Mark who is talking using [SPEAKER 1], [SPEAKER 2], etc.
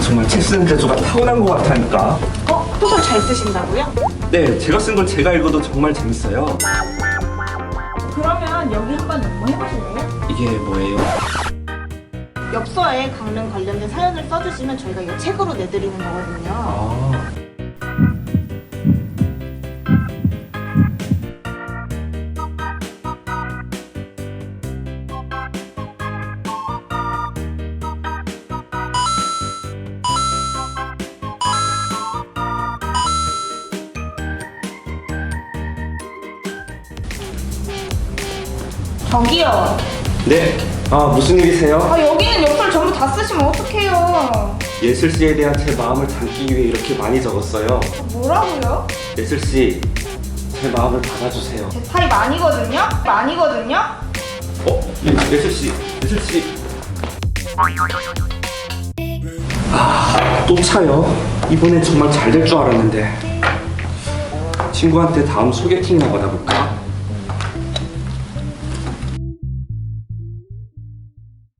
[SPEAKER 1] 정말 책 쓰는 재주가 타고난 것 같다니까.
[SPEAKER 2] 소설 잘 쓰신다고요?
[SPEAKER 1] 네, 제가 쓴 건 제가 읽어도 정말 재밌어요.
[SPEAKER 2] 그러면 여기 한번 연구해보실래요?
[SPEAKER 1] 이게 뭐예요?
[SPEAKER 2] 엽서에 강릉 관련된 사연을 써주시면 저희가 이 책으로 내드리는 거거든요.
[SPEAKER 1] 아,
[SPEAKER 2] 저기요.
[SPEAKER 1] 네. 무슨 일이세요?
[SPEAKER 2] 여기는 엽서를 전부 다 쓰시면 어떡해요?
[SPEAKER 1] 예슬씨에 대한 제 마음을 담기 위해 이렇게 많이 적었어요.
[SPEAKER 2] 뭐라고요?
[SPEAKER 1] 예슬씨, 제 마음을 받아주세요.
[SPEAKER 2] 제 타입 아니거든요?
[SPEAKER 1] 예슬씨. 또 차요? 이번엔 정말 잘 될 줄 알았는데. 친구한테 다음 소개팅이나 받아볼까?